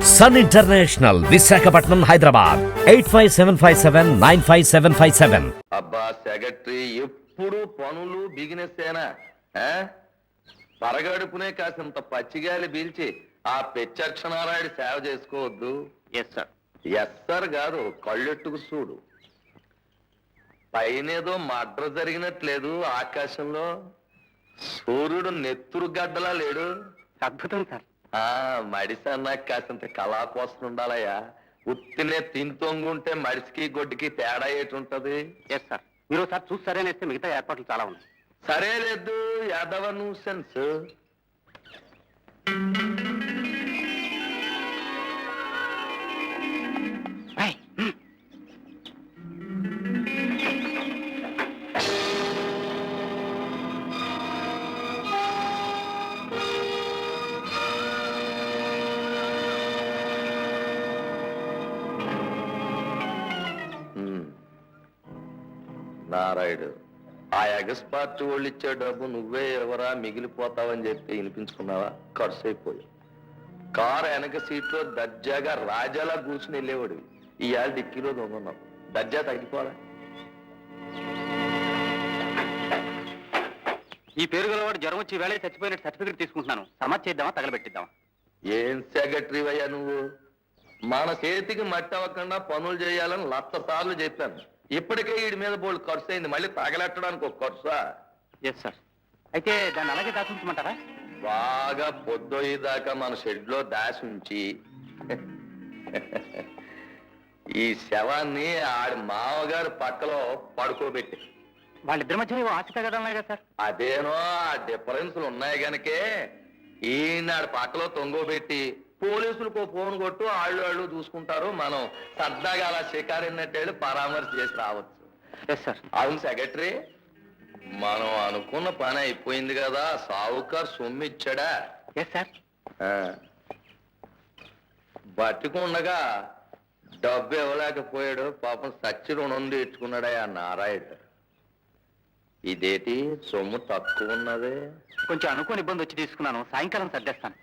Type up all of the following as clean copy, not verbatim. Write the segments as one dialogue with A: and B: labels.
A: Sun international, Visakhapatnam, Hyderabad. 8575795757.
B: అబ్బా secretary ఎప్పుడు పనులు బిగినెస్తేనా పరగడుపునే కాసింత పచ్చిగాలి పీల్చి ఆ పెచ్చక్షనారాయుడు సేవ చేసుకోవద్దు.
C: Yes sir.
B: ఎస్ సార్ కాదు, కళ్ళెట్టుకు చూడు. పైనేదో మడ్ర జరిగినట్లేదు ఆకాశంలో. సూర్యుడు నెత్తురు గడ్డలా లేడు.
C: అద్భుతం సార్.
B: మడిసన్నాక కాసింత కళా కోసం ఉండాలయ్యా. ఉత్తినే తింతొంగుంటే మడిసికి గొడ్డుకి తేడా ఏటుంటది.
C: Yes sir. మీరు సార్ చూసి సరేనేస్తే మిగతా ఏర్పాట్లు చాలా ఉన్నాయి.
B: సరే లేదు యాదవ న్యూసెన్స్. నారాయుడు, ఆ ఎగస్ పార్టీ వాళ్ళు ఇచ్చే డబ్బు నువ్వే ఎవరా మిగిలిపోతావని చెప్పి వినిపించుకున్నావా? ఖర్చు అయిపోయి కారు వెనక సీట్లో దర్జాగా రాజాలా కూర్చుని వెళ్ళేవాడివి. ఇవాళ డిక్కీలో దొంగన్నావు. దర్జా తగ్గిపోరా.
C: ఈ పేరు గలవాడు జ్వరం వచ్చి వేళ చచ్చిపోయినట్టు సర్టిఫికెట్ తీసుకుంటున్నాను. సమాజ్ చేద్దామా తగలబెట్టిద్దామా?
B: ఏం సెక్రటరీ అయ్యా నువ్వు? మన చేతికి మట్టి అవ్వకుండా పనులు చేయాలని 100 సార్లు చెప్పాను. ఇప్పటికే వీడి మీద బోల్డ్ ఖర్చు అయింది, మళ్ళీ తగలెట్టడానికి ఒక ఖర్చా?
C: Yes sir. అయితే దాన్ని అలాగే దాచుంచమంటారా?
B: బాగా పొద్దుయ్యేదాకా మన షెడ్ లో దాసి ఉంచి ఈ శవాన్ని ఆడి మామగారు పక్కలో పడుకోబెట్టి.
C: వాళ్ళిద్దరి మధ్య ఆశ తగ్గడం కదా సార్?
B: అదేనో ఆ డిఫరెన్స్లు ఉన్నాయి గనకే ఈనాడు పక్కలో తొంగోబెట్టి పోలీసులకు ఫోన్ కొట్టు, వాళ్ళు చూసుకుంటారు. మనం సరదాగా అలా షికారినట్టేళ్ళు పరామర్శ చేసి రావచ్చు.
C: Yes sir.
B: అవును సెక్రటరీ, మనం అనుకున్న పని అయిపోయింది కదా. సావుకారు సొమ్ము ఇచ్చాడా?
C: Yes sir.
B: బతికుండగా డబ్బు ఇవ్వలేకపోయాడు. పాపం సచ్చి రుణం తీర్చుకున్నాడా ఆ నారాయుడు. ఇదేటి సొమ్ము తక్కువ ఉన్నదే?
C: కొంచెం అనుకోని ఇబ్బంది వచ్చి తీసుకున్నాను. సాయంకాలం సర్దేస్తాను.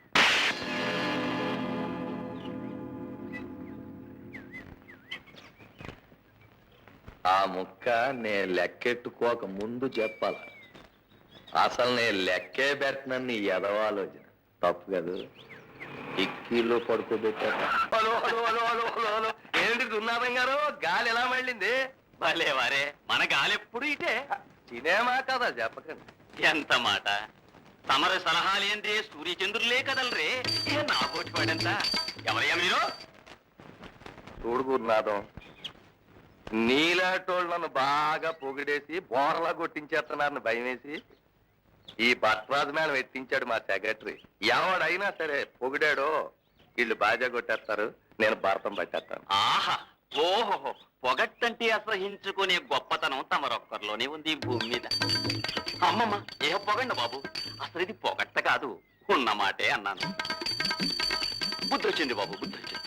B: ఆ ముక్క నేను లెక్కెట్టుకోక ముందు చెప్పాల. అసలు నేను లెక్కే పెట్టినని నీ ఎదవాలోచన తప్పు కదా. ఇక్కీలో పడుకోబెట్టారు. ఏంటి దున్నారం గారు, గాలి ఎలా మళ్ళింది?
C: భలే వారే, మన గాలి ఎప్పుడు ఇటే.
B: సినిమా కదా చెప్పకండి.
C: ఎంత మాట! తమరి సలహాలేందే సూర్యచంద్రులే కదలరే. నా కోటి పడంతా. ఎవరయ్యా మీరు?
B: చూడు గురునాథం, నీలాటోళ్ళు నన్ను బాగా పొగిడేసి బోర్లా కొట్టించేస్తున్నారని భయమేసి ఈ భట్రాజు మేడం ఎత్తించాడు మా సెక్రటరీ. ఎవడైనా సరే పొగిడాడో వీళ్ళు బాజా కొట్టేస్తారు, నేను భారతం పట్టేస్తాను.
C: ఆహా, ఓహో, పొగట్టంటే అసహించుకునే గొప్పతనం తమరొక్కరిలోనే ఉంది ఈ భూమి మీద. అమ్మమ్మ, ఏ పొగండి బాబు, అసలు ఇది పొగట్ట కాదు, ఉన్న మాటే అన్నాను. బుద్ధి వచ్చింది బాబు, బుద్ధి వచ్చింది.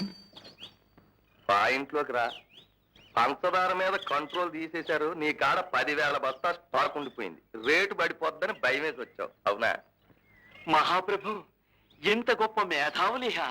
B: మా ఇంట్లోకి రా. పంచదార మీద కంట్రోల్ తీసేశారు. నీ కాడ 10,000 బస్తా స్టాక్ ఉండిపోయింది. రేటు పడిపోద్దని భయం వేసి వచ్చావు, అవునా?
C: మహాప్రభు, ఎంత గొప్ప మేధావులిహా.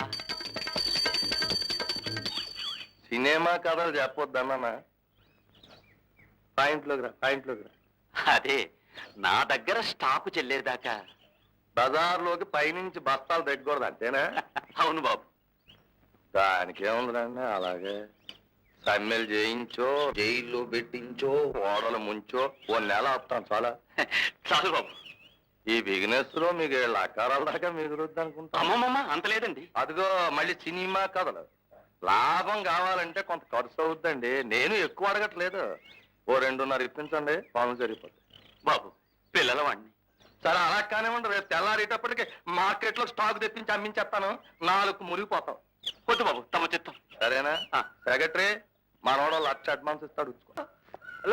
B: సినిమా కథలు చెప్పొద్దన్నా. పాయింట్లోకి రా, పాయింట్లోకి రా.
C: అదే, నా దగ్గర స్టాకు చెల్లేదాకా
B: బజార్లోకి పైనుంచి బస్తాలు తెగకూడదు అంతేనా?
C: అవును బాబు.
B: దానికి ఏముందండి, అలాగే సమ్మెలు చేయించో, జైల్లో పెట్టించో, ఓడలు ముంచో 1 నెల ఆపుతాను చాలా.
C: చాలు బాబు.
B: ఈ బిజినెస్ లో మీకు 7 లక్షల దాకా మిగులుద్ది అనుకుంటా.
C: అమ్మమ్మ, అంత లేదండి.
B: అదిగో మళ్ళీ సినిమా కథలు. లాభం కావాలంటే కొంత ఖర్చు అవుద్దండి. నేను ఎక్కువ అడగట్లేదు. ఓ 2.5 ఇప్పించండి, పనులు సరిపోతుంది.
C: బాబు, పిల్లల వాడిని.
B: సరే అలా కానివ్వండి. రేపు తెల్లారేటప్పటికి మార్కెట్ లో స్టాక్ తెప్పించి అమ్మించేస్తాను. 4 మురిగిపోతాం.
C: వద్దు బాబు, తమ చిత్తం.
B: సరేనా? సెక్రటరీ, మనోడు 1 లక్ష అడ్వాన్స్ ఇస్తాడు. హలో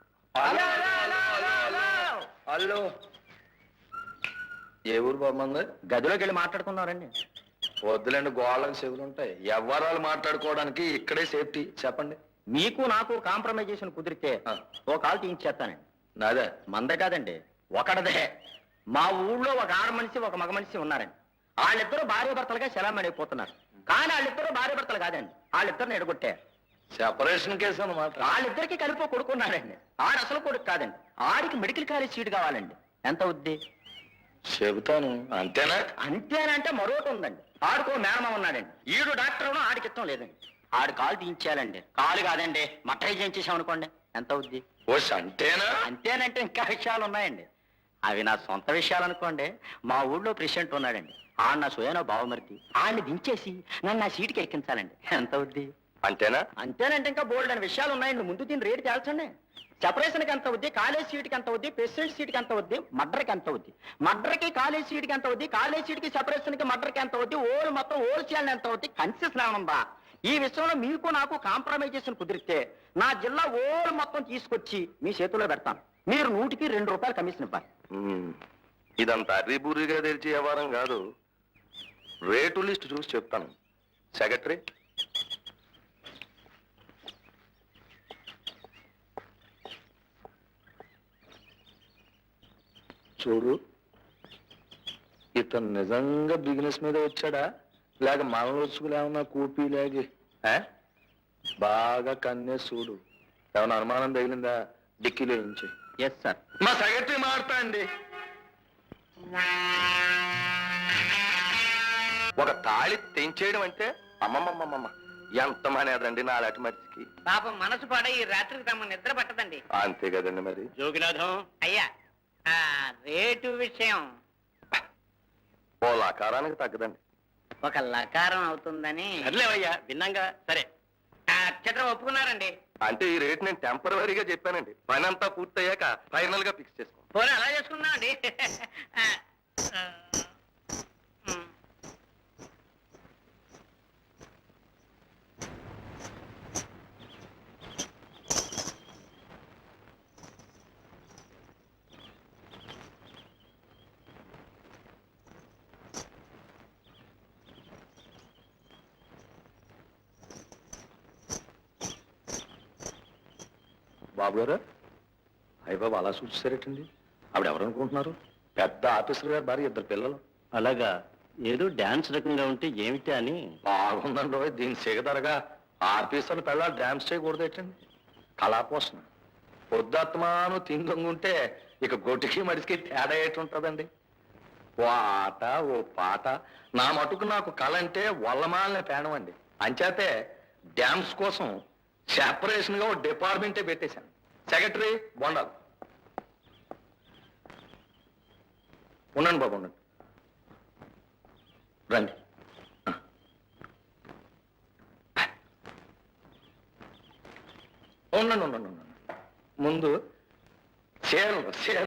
B: హలో, ఏ ఊరు బాగుంది?
C: గదిలోకి వెళ్ళి మాట్లాడుకున్నారండి.
B: వద్దులేండి, గోళ్ళకి చెవులు ఉంటాయి. ఎవరాలు మాట్లాడుకోవడానికి ఇక్కడే సేఫ్టీ. చెప్పండి.
C: మీకు నాకు కాంప్రమైజేషన్ కుదిరితే ఓ కాల్ తీయించేస్తానండి.
B: నాదే?
C: మందే కాదండి, ఒకడదే. మా ఊళ్ళో ఒక ఆడ మనిషి, ఒక మగ మనిషి ఉన్నారండి. వాళ్ళిద్దరూ భార్య భర్తలుగా శలామణి అయిపోతున్నారు.
D: కానీ వాళ్ళిద్దరూ భార్య భర్తలు కాదండి, వాళ్ళిద్దరిని ఎడగొట్టారు.
B: సెపరేషన్ కేసు అన్నమాట.
D: వాళ్ళిద్దరికి కలిపి ఒక కొడుకున్నాడండి. ఆడు అసలు కొడుకు కాదండి, ఆడికి మెడికల్ కాలేజ్ సీట్ కావాలండి. ఎంత అవుద్ది?
B: చెబుతాను, అంతేనా?
D: అంతేనంటే మరొకటి ఉందండి. ఆడుకో మేనమా ఉన్నాడండి, ఈడు డాక్టర్ ఆడికి ఇష్టం లేదండి. ఆడు కాలు తీయించాలండి. కాలు కాదండి, మట్టై చేయించేసామనుకోండి, ఎంత అవుద్ది?
B: ఓస్ అంతేనా?
D: అంతేనంటే ఇంకా విషయాలు ఉన్నాయండి. అవి నా సొంత విషయాలు అనుకోండి. మా ఊళ్ళో ప్రెసిడెంట్ ఉన్నాడండి, ఆడు నా సోయనో బావమరిది. ఆడిని దించేసి నన్ను నా సీటుకి ఎక్కించాలండి, ఎంత అవుద్ది?
B: అంతేనా?
D: అంతేనంటే ఇంకా బోల్డ్ అని విషయాలు ఉన్నాయండి. ముందు దీని రేటు తేల్చండి. సెపరేషన్కి ఎంత అవుద్ది, కాలేజ్ సీట్కి ఎంత అవుద్ది, ప్రెసిడెంట్ సీట్కి ఎంత అవుద్ది, మర్డర్కి ఎంత అవుద్ది, మర్డర్కి కాలేజ్ సీట్కి ఎంత అవుద్ది, కాలేజ్ సీట్కి సెపరేషన్కి మర్డర్కి ఎంత అవుద్ది, ఓల్ మొత్తం ఓల్ చేయాలని ఎంత అవుద్ది, కన్సెషన్ ఏమనుందా? ఈ విషయంలో మీకు నాకు కాంప్రమైజేషన్ కుదిరితే నా జిల్లా ఓల్ మొత్తం తీసుకొచ్చి మీ చేతిలో పెడతాను. మీరు 100కి 2 రూపాయలు కమిషన్ ఇవ్వాలి.
B: ఇదంతా అర్రీబుర్రిగా తెరిచే వ్యవహారం కాదు. రేటు లిస్ట్ చూసి చెప్తాను. సెక్రటరీ, చూడు, ఇతను నిజంగా బిజినెస్ మీద వచ్చాడా లేక మనలోచుకులు ఏమన్నా కూపీ లేగి బాగా కన్నే చూడు. ఏమన్నా అనుమానం తగిలిందా డిక్కీలో నుంచి?
D: Yes sir.
B: మా సెక్రటరీ మారుతా అండి. ఒక తాళి తెంచేయడం అంటే అమ్మమ్మమ్మమ్మ ఎంత మానేదండి నా అలాంటి మనిషికి.
E: పాపం మనసు పాడ ఈ రాత్రికి తమ నిద్ర పట్టదండి.
B: అంతే కదండి మరి.
D: జోగినాథం
E: అయ్యా, ఆ రేటు విషయం
B: ఓ లకారానికి తగ్గదండి.
E: ఒక లకారం అవుతుందని
D: సర్లేవయ్యా, విన్నాగా. సరే,
E: అక్షరం ఒప్పుకున్నారండి.
B: అంటే ఈ రేట్ నేను టెంపరీగా చెప్పానండి. పని అంతా పూర్తయ్యాక ఫైనల్ గా ఫిక్స్ చేసుకో.
E: పోనీ అలా చేసుకుందాం అండి.
B: బాబు గారు, అయ్య బాబు అలా సూచిస్తారేటండి? ఆవిడ ఎవరు అనుకుంటున్నారు? పెద్ద ఆఫీసర్ గారు భార్య, 2 పిల్లలు.
D: అలాగా, ఏదో డాన్స్ రకంగా ఉంటే ఏమిటి అని.
B: బాగుందండి రోయ్, దీని సిగదరగా ఆఫీసర్లు పిల్లలు డ్యాన్స్ చేయకూడదేటండి? కళాపోషణ పొద్దుత్మాను తిందొంగుంటే ఇక గొడ్డుకి మడిసికి తేడా ఏటుంటదండి? ఓ ఆట ఓ పాట. నా మటుకు నాకు కళ అంటే వల్లమాలనే పేణం అండి. అంచేతే డ్యాన్స్ కోసం సెపరేషన్ గా ఓ డిపార్ట్మెంటే పెట్టేశాను. సెక్రటరీ బొండాలు ఉండండి బాబు, ఉండండి, రండి. ఉండండి ఉండండి ఉండండి. ముందు చీరలు